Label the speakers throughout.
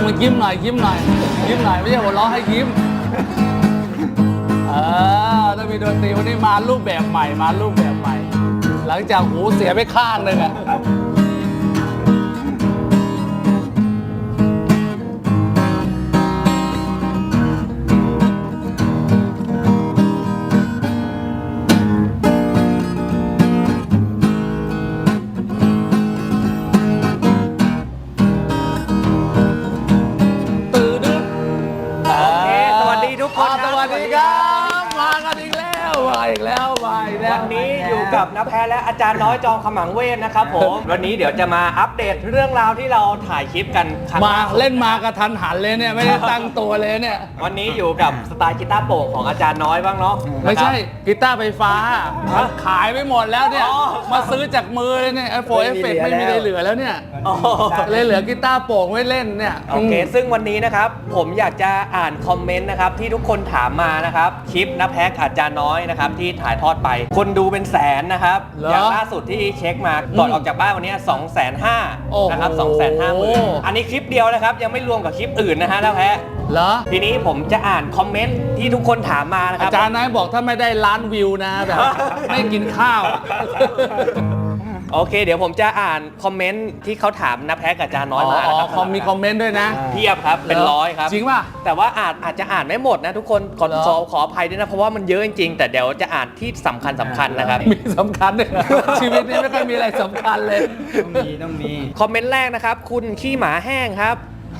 Speaker 1: ยิ้มหน่อยยิ้มหน่อยยิ้มหน่อยไม่ใช่หัวเราะให้ยิ้มถ้ามีดนตรีวันนี้มารูปแบบใหม่มารูปแบบใหม่ หลังจากหูเสียไปข้างหนึ่งอะสวัสดีครับมากันอีกแล้วมาอีกแล้ว
Speaker 2: วันนี้อยู่กับน้าแพ้และอาจารย์น้อยจอมขมังเวทนะครับผมวันนี้เดี๋ยวจะมาอัปเดตเรื่องราวที่เราถ่ายคลิปกัน
Speaker 1: มาเล่นมากระทันหันเลยเนี่ยไม่ได้ตั้งตัวเลยเนี่ย
Speaker 2: วันนี้อยู่กับสไตล์กีตาร์โปร่งของอาจารย์น้อยบ้างเนาะ
Speaker 1: ไม่ใช่กีตาร์ไฟฟ้าขายไปหมดแล้วเนี่ยมาซื้อจากมือเลยเนี่ยไอโฟนเอฟเฟกต์ไม่มีอะไรเหลือแล้วเนี่ยเลยเหลือกีตาร์โปร่งไว้เล่นเนี่ย
Speaker 2: โอเคซึ่งวันนี้นะครับผมอยากจะอ่านคอมเมนต์นะครับที่ทุกคนถามมานะครับคลิปน้าแพ้อาจารย์น้อยนะครับที่ถ่ายทอดไปคนดูเป็นแสนนะครับอย่างล่าสุดที่เช็คมาก่อนออกจากบ้านวันนี้ 250,000 นะครับ 250,000 อันนี้คลิปเดียวนะครับยังไม่รวมกับคลิปอื่นนะฮะน้าแพ้
Speaker 1: เหรอ
Speaker 2: ทีนี้ผมจะอ่านคอมเมนต์ที่ทุกคนถามมานะครับ
Speaker 1: อาจารย์นายบอกถ้าไม่ได้ล้านวิวนะแบบไม่กินข้าว
Speaker 2: โอเคเดี๋ยวผมจะอ่านคอมเมนต์ที่เขาถามน้าแพ้กับอาจารย์น้อยมานะครับ
Speaker 1: มีคอมเมนต์ด้วยนะ
Speaker 2: เพียบครับเป็นร้อยครับ
Speaker 1: จริงป่ะ
Speaker 2: แต่ว่าอาจจะอ่านไม่หมดนะทุกคนขออภัยด้วยนะเพราะว่ามันเยอะจริงๆแต่เดี๋ยวจะอ่านที่สำคัญนะครับ
Speaker 1: มีสำคัญด้วยชีวิตนี้ไม่ค่อยมีอะไรสำคัญเลย
Speaker 2: ต้องมีคอมเมนต์แรกนะครับคุณขี้หมาแห้งครับ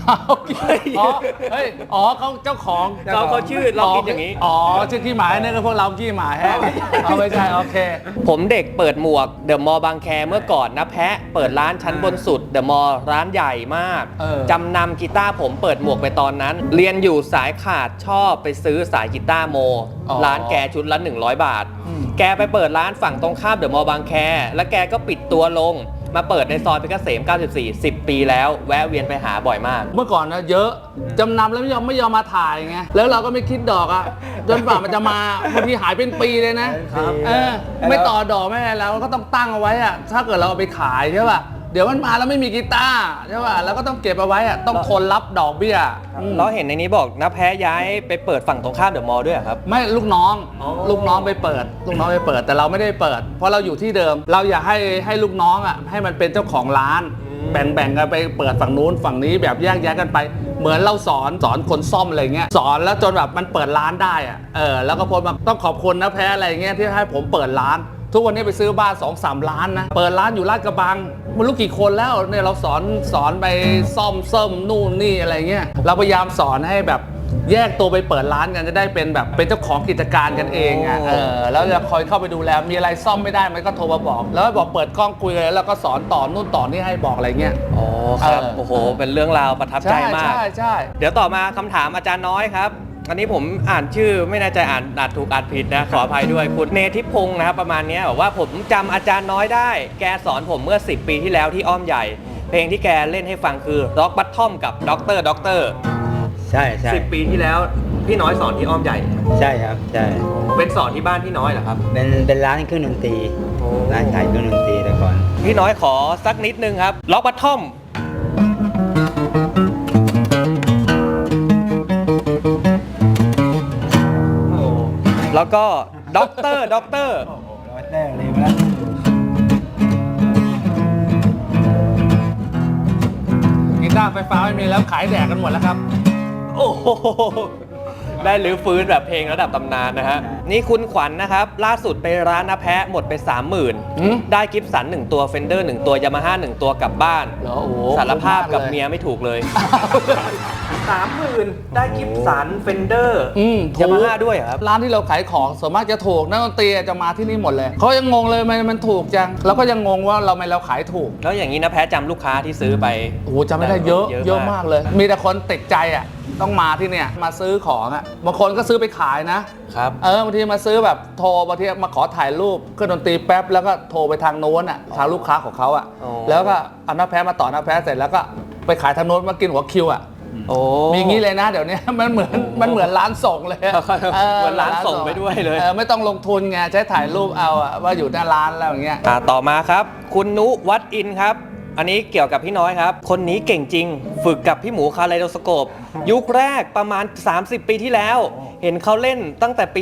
Speaker 1: เขาเจ้าของ
Speaker 2: เขาชื่อเราคิดอย่างนี้
Speaker 1: ชื่อขี้หมาเนี่ยก็พวกเราขี้หมาแห้งไม่ใช่โอเค
Speaker 2: ผมเด็กเปิดหมวกเดอะมอลล์บางแคเมื่อก่อนนะแพะเปิดร้านชั้นบนสุดเดอะมอลล์ร้านใหญ่มากจำนำกีตาร์ผมเปิดหมวกไปตอนนั้นเรียนอยู่สายขาดชอบไปซื้อสายกีตาร์โมร้านแกชุดละ100 บาทแกไปเปิดร้านฝั่งตรงข้ามเดอะมอลล์บางแคแล้วแกก็ปิดตัวลงมาเปิดในซอยเพชรเกษม94 10 ปีแล้วแวะเวียนไปหาบ่อยมาก
Speaker 1: เมื่อก่อนนะเยอะจำนำแล้วไม่ยอมมาถ่ายไงแล้วเราก็ไม่คิดดอกอ่ะจนฝ่ามันจะมาบางทีหายเป็นปีเลยนะไม่ต่อดอกไม่อะไรแล้วก็ต้องตั้งเอาไว้อ่ะถ้าเกิดเราเอาไปขายใช่ป่ะเดี๋ยวมันมาแล้วไม่มีกีตาร์ใช่ป่ะแล้วก็ต้องเก็บเอาไว้อ่ะต้องทนรับดอกเบี้ย
Speaker 2: เราเห็นในนี้บอกน้าแพ้ย้ายไปเปิดฝั่งตรงข้ามเดอะมอลล์ด้วยครับ
Speaker 1: ไม่ลูกน้องไปเปิดแต่เราไม่ได้เปิดเพราะเราอยู่ที่เดิมเราอยากให้ลูกน้องอ่ะให้มันเป็นเจ้าของร้านแบ่งกันไปเปิดฝั่งนู้นฝั่งนี้แบบแยกกันไปเหมือนเราสอนคนซ่อมอะไรเงี้ยสอนแล้วจนแบบมันเปิดร้านได้อ่ะแล้วก็พอมาต้องขอบคุณนะแพ้อะไรเงี้ยที่ให้ผมเปิดร้านทุกวันนี้ไปซื้อบ้าน 2-3 ล้านนะเปิดร้านอยู่ลาดกระบังไม่รู้กี่คนแล้วเนี่ยเราสอนไปซ่อมนู่นนี่อะไรเงี้ยเราพยายามสอนให้แบบแยกตัวไปเปิดร้านกันจะได้เป็นแบบเป็นเจ้าของกิจการกันเองอ่ะแล้วจะคอยเข้าไปดูแลมีอะไรซ่อมไม่ได้มันก็โทรมาบอกแล้วบอกเปิดกล้องคุยเลยแล้วก็สอนต่อนู่นต่อนี่ให้บอกอะไรเงี้ย
Speaker 2: อ๋อครับโอ้โหเป็นเรื่องราวประทับใจมาก
Speaker 1: ใช่
Speaker 2: เดี๋ยวต่อมาคำถามอาจารย์น้อยครับอันนี้ผมอ่านชื่อไม่แน่ใจอ่านถูกอ่านผิดนะขออภัยด้วยคุณเนธิพงศ์นะครับประมาณนี้บอกว่าผมจำอาจารย์น้อยได้แกสอนผมเมื่อ10 ปีที่แล้วที่อ้อมใหญ่เพลงที่แกเล่นให้ฟังคือร็อกบัตทอมกับด็อกเตอร์
Speaker 3: ใช่
Speaker 2: 10 ปีที่แล้วพี่น้อยสอนที่อ้อมใหญ่
Speaker 3: ใช่ครับใช่
Speaker 2: เป็นสอนที่บ้านพี่น้อยเหรอครับ
Speaker 3: เป็นร้านเครื่องดนตรีร้านขายเครื่องดนตรีแต่ก่อน
Speaker 2: พี่น้อยขอสักนิดนึงครับร็อกบัตทอมแล้วก็ด็อกเตอร์
Speaker 3: เลยมาแล้ว
Speaker 1: กีตาร์ไฟฟ้าไม่มีแล้วขายแดกกันหมดแล้วครับ
Speaker 2: โอ้โหได้รื้อฟื้นแบบเพลงระดับตำนานนะฮะนี่คุณขวัญนะครับล่าสุดไปร้านน้าแพะหมดไป 30,000ได้กิฟสัน1ตัวเฟนเดอร์1ตัวยามาฮ่า1ตัวกลับบ้านสารภาพกับเมียไม่ถูกเลย 30,000ได้กิฟสันเฟนเดอร์ยามาฮ่าด้วยครับ
Speaker 1: ร้านที่เราขายของส่วนมากจะถูกนักดนตรีจะมาที่นี่หมดเลยเขายังงงเลยมันถูกจังเราก็ยังงงว่าเราขายถูก
Speaker 2: แล้วอย่างนี้น้าแพะจำลูกค้าที่ซื้อไป
Speaker 1: โอ้จำไม่ได้เยอะมากเลยมีแต่คนติดใจอ่ะต้องมาที่เนี่ยมาซื้อของอ่ะบางคนก็ซื้อไปขายนะครับบางทีมาซื้อแบบโทรบางทีมาขอถ่ายรูปเครื่องดนตรีแป๊บแล้วก็โทรไปทางโน้นอ่ะทางลูกค้าของเขาอ่ะแล้วก็เอาน้าแพ้มาต่อน้าแพ้เสร็จแล้วก็ไปขายทางโน้นมากินหัวคิวอ่ะมีงี้เลยนะเดี๋ยวนี้มันเหมือนร้านส่งเลย
Speaker 2: เหมือนร้านส่งไปด้วยเลย
Speaker 1: ไม่ต้องลงทุนไงใช้ถ่ายรูปเอาว่าอยู่หน้าร้านแล้วอย่างเงี้ย
Speaker 2: ต่อมาครับคุณนุวัดอินครับอันนี้เกี่ยวกับพี่น้อยครับ คนนี้เก่งจริง ฝึกกับพี่หมูคาไลโดสโคปยุคแรกประมาณ 30 ปีที่แล้ว เห็นเขาเล่นตั้งแต่ปี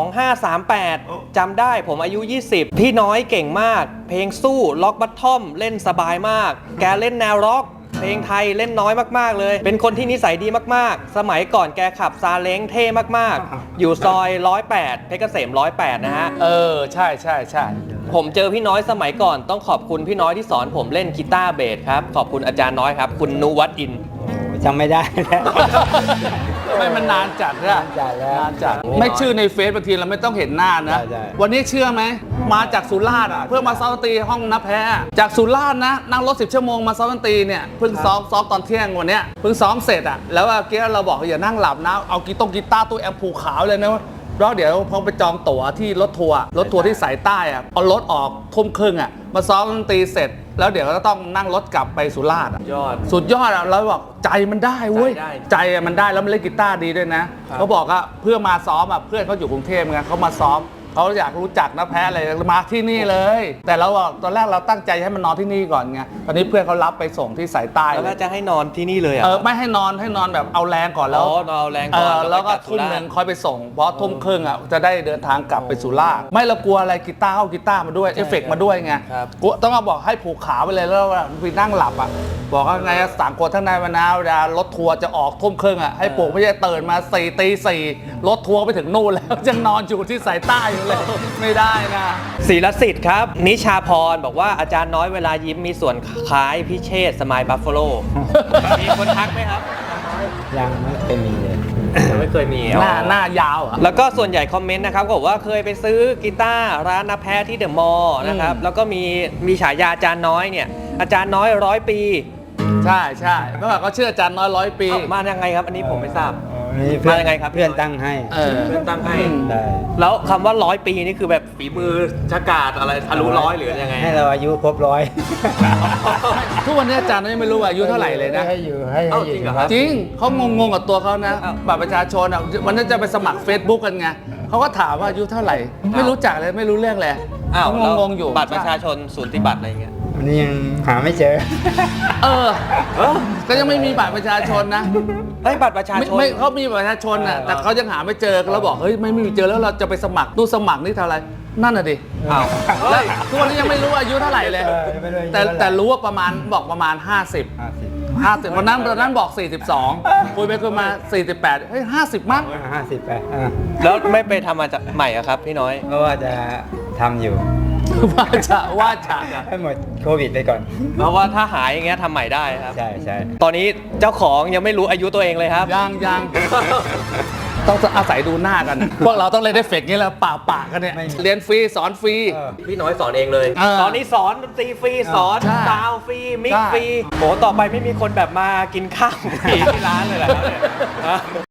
Speaker 2: 2538 จำได้ผมอายุ 20 พี่น้อยเก่งมาก เพลงสู้ล็อกบัตทอมเล่นสบายมาก แกเล่นแนวร็อก เพลงไทยเล่นน้อยมากๆเลย เป็นคนที่นิสัยดีมากๆ สมัยก่อนแกขับซาเล้งเท่มากๆ อยู่ซอย 108 เพชรเกษม 108 นะฮะ
Speaker 1: ใช่ใช่ใช่
Speaker 2: ผมเจอพี่น้อยสมัยก่อนต้องขอบคุณพี่น้อยที่สอนผมเล่นกีตาร์เบสครับ ขอบคุณอาจารย์น้อยครับ คุณนุวัฒน์อิน
Speaker 3: โอ้จำไม่ได้แล้ว
Speaker 1: ไม่มันนานจัดนะ
Speaker 3: นานจัดแล้ว
Speaker 1: นานจัดไม่ชื่อในเฟซบางทีเราไม่ต้องเห็นหน้านะ
Speaker 3: ใช่ใช่
Speaker 1: วันนี้เชื่อไหมมาจากสุราษฎร์อ่ะเพื่อมาซ้อมดนตรีห้องนับแพ้จากสุราษฎร์นะนั่งรถ10 ชั่วโมงมาซ้อมดนตรีเนี่ยเพิ่งซ้อมตอนเที่ยงวันเนี้ยเพิ่งซ้อมเสร็จอ่ะแล้วเมื่อกี้เราบอกอย่านั่งหลับนะเอากีตาร์ตู้แอมผูกขาวเลยนะแล้วเดี๋ยวพอไปจองตั๋วที่รถทัวร์ที่สายใต้อ่ะเอารถออกทุ่มครึ่งอ่ะมาซ้อมดนตรีเสร็จ แล้วเดี๋ยวก็ต้องนั่งรถกลับไปสุราษฎร์อะ
Speaker 2: ยอด
Speaker 1: สุดยอดอ่ะเราบอกใจมันได้เว้ย
Speaker 2: ใจได้
Speaker 1: ใจอะมันได้แล้วมันเล่นกีตาร์ดีด้วยนะเขาบอกว่าเพื่อมาซ้อมอ่ะเพื่อนเขาอยู่กรุงเทพไงเขามาซ้อมเขาอยากรู้จักนะแพ้อะไรมาที่นี่เลย แต่เราบอกตอนแรกเราตั้งใจให้มันนอนที่นี่ก่อนไงตอนนี้เพื่อนเขารับไปส่งที่สายใต้
Speaker 2: แล้ว
Speaker 1: เล
Speaker 2: ก็
Speaker 1: ย
Speaker 2: จะให้นอนที่นี่เลยอ่ะ
Speaker 1: ไม่ให้นอนแบบเอาแรงก่อนแล้ว
Speaker 2: อ๋อนอนเอาแรงก่อน
Speaker 1: แล้วก็
Speaker 2: ไป
Speaker 1: ทุ่ม
Speaker 2: สุราษฎร์
Speaker 1: หนึ่งค่อยไปส่งเพราะทุ่มครึ่งอ่ะจะได้เดินทางกลับไปสุราษฎร์ไม่เรากลัวอะไรกีตาร์เอากีตาร์มาด้วยเอฟเฟกต์มาด้วยไง
Speaker 2: ครับ
Speaker 1: กลัวต้องมาบอกให้ผูกขาไปเลยแล้วไปนั่งหลับอ่ะบอกว่าไงสั่งคนทั้งในมานะเวลารถทัวร์จะออกทุ่มครึ่งอ่ะให้ปลุกไม่ใช่ตื่นมาตี 4รถทัวร์ไปถึงนู่นแล้ว ยังนอนอยู่ที่สายใต้อยู่เลย ไม่ได้นะ
Speaker 2: ศิลสิทธิ์ครับ นิชาพรบอกว่าอาจารย์น้อยเวลายิ้มมีส่วนคล้ายพิเชษสมายบัฟฟาโล มีคนทักไหมครับ
Speaker 3: ยังไม่เคยมีเลย
Speaker 2: ไม่เคยมี
Speaker 1: หน้ายาวอ่ะ
Speaker 2: แล้วก็ส่วนใหญ่คอมเมนต์นะครับก็บอกว่าเคยไปซื้อกีตาร์ร้านนาแพ้ที่เดอะมอลล์นะครับ แล้วก็มีฉายาอาจารย์น้อยเนี่ย อาจารย์น้อย100 ปี
Speaker 1: ใช่เมื่อก่อนเขาเชื่ออาจารย์น้อย100 ปี
Speaker 2: เอ้ามายังไงครับ อันนี้ผมไม่ทราบ
Speaker 3: นี่เพื่อน
Speaker 2: มายังไงครับ
Speaker 3: เพื่อนตั้งให้
Speaker 2: เพื่อนตั้งให้
Speaker 3: ได้
Speaker 2: แล้วคำว่า100 ปีนี่คือแบบฝีมือชะกาดอะไรทะลุร้อยหรือยังไง
Speaker 3: ให้เราอายุครบ100
Speaker 1: ทุกวันนี้อาจารย์ยังไม่รู้ว่าอายุเท่าไหร่เลยนะ
Speaker 3: ให้อยู่ให้
Speaker 2: เอ้า
Speaker 3: อยู่
Speaker 2: จริงเหรอครับ
Speaker 1: จริงเขางงกับตัวเขานะ
Speaker 2: อ้าว
Speaker 1: บัตรประชาชนอ่ะวันนั้นจะไปสมัคร Facebook กันไงเขาก็ถามว่าอายุเท่าไหร่ ไม่รู้จักเลยไม่รู้เรื่องเลย
Speaker 2: อ้าว
Speaker 1: เขา
Speaker 2: แล้ว
Speaker 1: งงๆอยู่
Speaker 2: บัตรประชาชนสูติบัตรอะไรอย่างเงี้ย
Speaker 3: วันนี้ยังหาไม่เจอ
Speaker 1: เออก็ยังไม่มีบัตรประชาชนนะ
Speaker 2: เฮ้ยบัตรประชาชน
Speaker 1: ไม่เขามีบัตรประชาชนอ่ะแต่เขายังหาไม่เจอเราบอกเฮ้ยไม่มีเจอแล้วเราจะไปสมัครตู้สมัครนี่เท่าไหร่นั่นน่ะดิ
Speaker 2: อ้าว
Speaker 1: แล้วทุกวันนี้ยังไม่รู้อายุเท่าไหร่เลย
Speaker 3: ยังไม่รู้อายุ
Speaker 1: แต่
Speaker 3: เท่าไหร่
Speaker 1: แต่รู้ว่าประมาณ 50วันนั้นบอก 42คุยไปคุยมา 48เฮ้ย50 มั้ง
Speaker 3: 50 ไป
Speaker 2: แล้วไม่ไปทำมาจากใหม่อะครับพี่น้อย
Speaker 3: เพราะว่าจะทำอยู่
Speaker 1: ว่าจะ
Speaker 3: ให้หมดโควิดไปก่อน
Speaker 2: เพราะว่าถ้าหายอย่างเงี้ยทำใหม่ได้ครับ
Speaker 3: ใช่
Speaker 2: ตอนนี้เจ้าของยังไม่รู้อายุตัวเองเลยครับ
Speaker 1: ยังต้องอาศัยดูหน้ากัน พวกเราต้องเล่นได้เฟกนี้แล้วปากกันเนี่ย
Speaker 3: ไม่
Speaker 1: เรียนฟรีสอนฟรี
Speaker 2: พี่น้อยสอนเองเลย
Speaker 1: เออ
Speaker 2: ตอนนี้สอนดนตรีฟรีสอน
Speaker 1: ใช่
Speaker 2: ซาวด์ฟรีมิกซ์
Speaker 1: ใช่
Speaker 2: ฟรีโหต่อไปไม่มีคนแบบมากินข้าวฟรีที่ร้านเลยเหรอครับเนี่ยฮะ